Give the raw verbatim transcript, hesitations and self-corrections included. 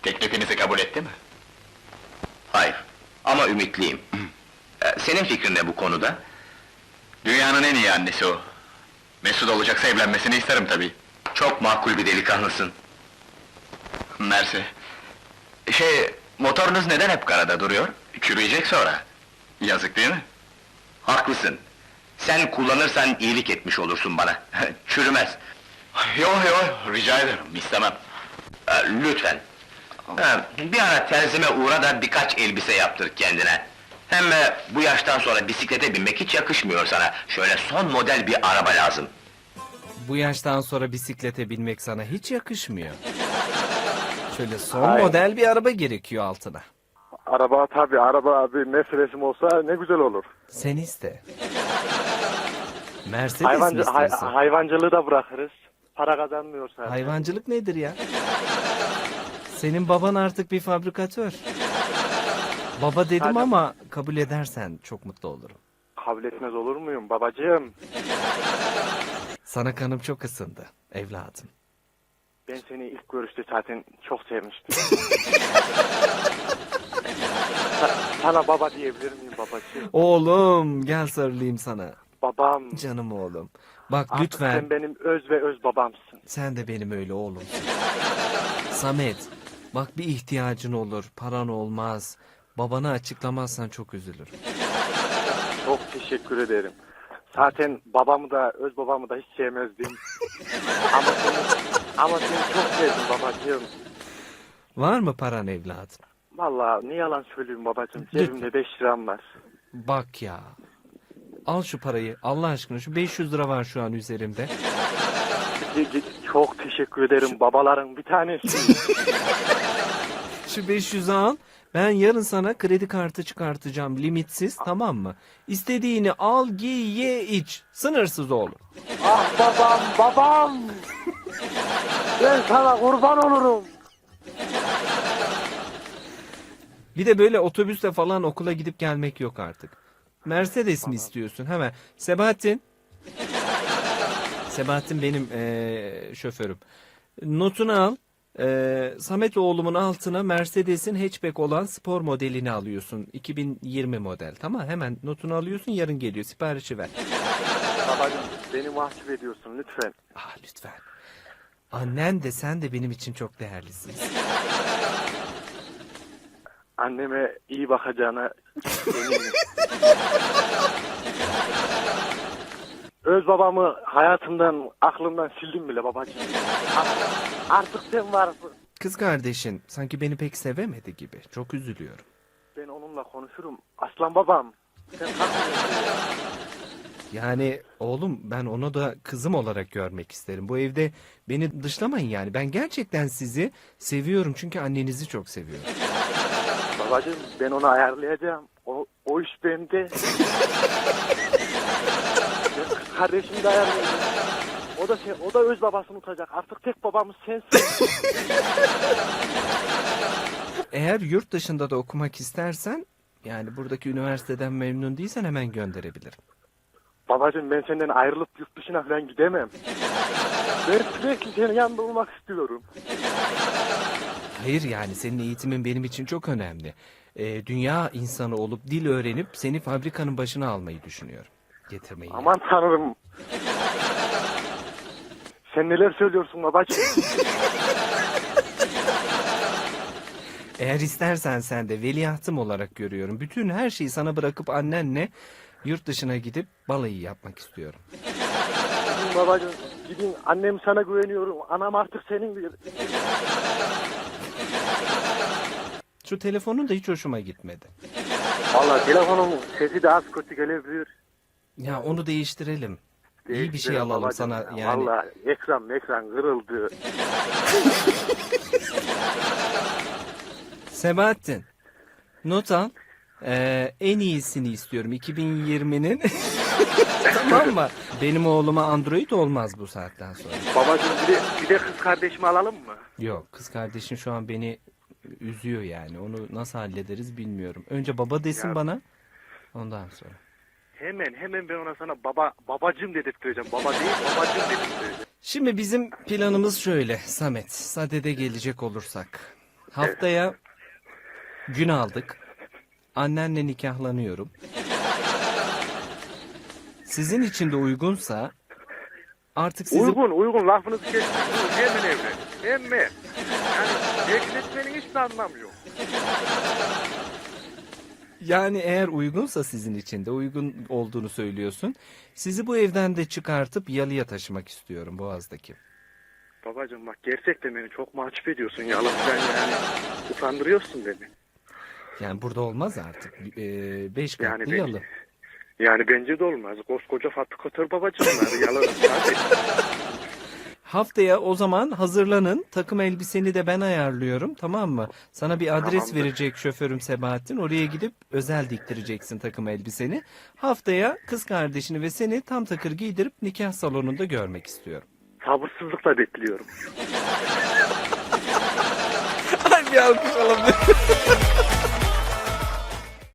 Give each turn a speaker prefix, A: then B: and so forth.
A: Teklifinizi kabul etti mi?
B: Hayır, ama ümitliyim. Ee, Senin fikrin ne bu konuda?
A: Dünyanın en iyi annesi o. Mesut olacaksa evlenmesini isterim tabii.
B: Çok makul bir delikanlısın.
A: Mersi. Şey, motorunuz neden hep karada duruyor? Çürüyecek sonra. Yazık değil mi?
B: Haklısın. Sen kullanırsan iyilik etmiş olursun bana. Çürümez.
A: Yo yo, rica ederim, istemem.
B: Ee, Lütfen. Ha, bir ara terzime uğra da birkaç elbise yaptır kendine. Hem e, bu yaştan sonra bisiklete binmek hiç yakışmıyor sana. Şöyle son model bir araba lazım.
C: Bu yaştan sonra bisiklete binmek sana hiç yakışmıyor. Şöyle son
D: Hayır.
C: model bir araba gerekiyor altına.
D: Araba tabii, araba abi meselesi olsa ne güzel olur.
C: Sen iste. Mercedes
D: Hayvancı,
C: mi
D: hay-
C: istiyorsun?
D: hayvancılığı da bırakırız. Para kazanmıyorsa.
C: Hayvancılık nedir ya? Senin baban artık bir fabrikatör. Baba dedim
D: Hadi.
C: ama kabul edersen çok mutlu olurum.
D: Kabul etmez olur muyum babacığım?
C: Sana kanım çok ısındı evladım.
D: Ben seni ilk görüşte zaten çok sevmiştim. Sa- sana baba diyebilir miyim babacığım?
C: Oğlum gel sarılayım sana.
D: Babam.
C: Canım oğlum. Bak
D: Artık
C: lütfen
D: sen benim öz ve öz babamsın.
C: sen de benim öyle oğlum. Samet bak bir ihtiyacın olur, paran olmaz. Babana açıklamazsan çok üzülürüm.
D: Çok teşekkür ederim. Zaten babamı da öz babamı da hiç sevmezdim. ama seni, ama seni çok sevdim babacığım.
C: Var mı paran evladım?
D: Vallahi ne yalan söyleyeyim babacığım.
C: Lütfen.
D: Cebimde beş liram var.
C: Bak ya. Al şu parayı Allah aşkına, şu beş yüz lira var şu an üzerimde.
D: Çok teşekkür ederim babaların bir tanesi.
C: Şu beş yüzü al. Ben yarın sana kredi kartı çıkartacağım limitsiz, tamam mı? İstediğini al, giy, ye, iç. Sınırsız oğlum.
D: Ah babam babam. Ben sana kurban olurum.
C: Bir de böyle otobüsle falan okula gidip gelmek yok artık. Mercedes mi istiyorsun? Hemen. Sebahattin. Sebahattin benim eee, şoförüm. Notunu al. Eee Samet oğlumun altına Mercedes'in hatchback olan spor modelini alıyorsun. iki bin yirmi model. Tamam, hemen notunu alıyorsun, yarın geliyor. Siparişi ver.
D: Babacığım beni mahcup ediyorsun lütfen.
C: Ah lütfen. Annen de sen de benim için çok değerlisiniz.
D: Anneme iyi bakacağına eminim. Öz babamı hayatımdan, aklımdan sildim bile babacığım. Artık, artık sen varsın.
C: Kız kardeşin sanki beni pek sevemedi gibi. Çok üzülüyorum.
D: Ben onunla konuşurum. Aslan babam. Sen kalkmıyorsun.
C: Yani oğlum, ben onu da kızım olarak görmek isterim. Bu evde beni dışlamayın yani. Ben gerçekten sizi seviyorum çünkü annenizi çok seviyorum.
D: Babacığım ben onu ayarlayacağım. O, o iş bende. Ben kız kardeşimi de ayarlayacağım. O da şey, o da öz babasını tutacak. Artık tek babamız sensin.
C: Eğer yurt dışında da okumak istersen, yani buradaki üniversiteden memnun değilsen hemen gönderebilirim.
D: Babacığım ben senden ayrılıp yurt dışına falan gidemem. Ben sürekli senin yanında olmak istiyorum.
C: Hayır, yani senin eğitimin benim için çok önemli. Ee, dünya insanı olup dil öğrenip seni fabrikanın başına almayı düşünüyorum. Getirmeyi. yani.
D: Aman tanrım. Sen neler söylüyorsun babacığım?
C: Eğer istersen sen de veliahtım olarak görüyorum. Bütün her şeyi sana bırakıp annenle yurt dışına gidip balayı yapmak istiyorum.
D: Gidin babacığım, gidin. Annem sana güveniyorum. Anam artık senindir.
C: Şu telefonun da hiç hoşuma gitmedi.
D: Vallahi telefonun sesi de az kötü gelebilir.
C: Ya onu değiştirelim. İyi bir şey
D: Değiştirelim
C: alalım
D: babacığım
C: sana
D: ya.
C: yani.
D: Vallahi ekran ekran kırıldı.
C: Sebahattin, not al. Ee, en iyisini istiyorum iki bin yirminin. Tamam mı? Benim oğluma Android olmaz bu saatten sonra.
D: Babacığım bir de, bir de kız kardeşimi alalım mı?
C: Yok, kız kardeşin şu an beni üzüyor yani. Onu nasıl hallederiz bilmiyorum. Önce baba desin
D: Ya.
C: bana. Ondan sonra.
D: Hemen hemen ben ona sana baba babacığım dedirttireceğim. Baba değil babacığım dedirttireceğim.
C: Şimdi bizim planımız şöyle Samet. Sadede gelecek olursak. Haftaya gün aldık. Annenle nikahlanıyorum. Sizin için de uygunsa artık sizi...
D: Uygun uygun lafınızı kesmeyin. Hemen evlen. Hemen. Yani bekletmenin hiçbir anlamı yok.
C: Yani eğer uygunsa sizin için de uygun olduğunu söylüyorsun. Sizi bu evden de çıkartıp Yalı'ya taşımak istiyorum, Boğaz'daki.
D: Babacığım bak gerçekten beni çok mahcup ediyorsun ya. Sen yani utandırıyorsun beni.
C: Yani burada olmaz artık. Ee, beş katlı
D: Yani ben-
C: Yalı.
D: Yani bence de olmaz. Koskoca fabrikatör babacığım var. Yalan. Hadi.
C: Haftaya o zaman hazırlanın. Takım elbiseni de ben ayarlıyorum, tamam mı? Sana bir adres
D: Tamamdır.
C: verecek şoförüm Sebahattin. Oraya gidip özel diktireceksin takım elbiseni. Haftaya kız kardeşini ve seni tam takır giydirip nikah salonunda görmek istiyorum.
D: Sabırsızlıkla bekliyorum.
C: Hadi bir alkış alalım.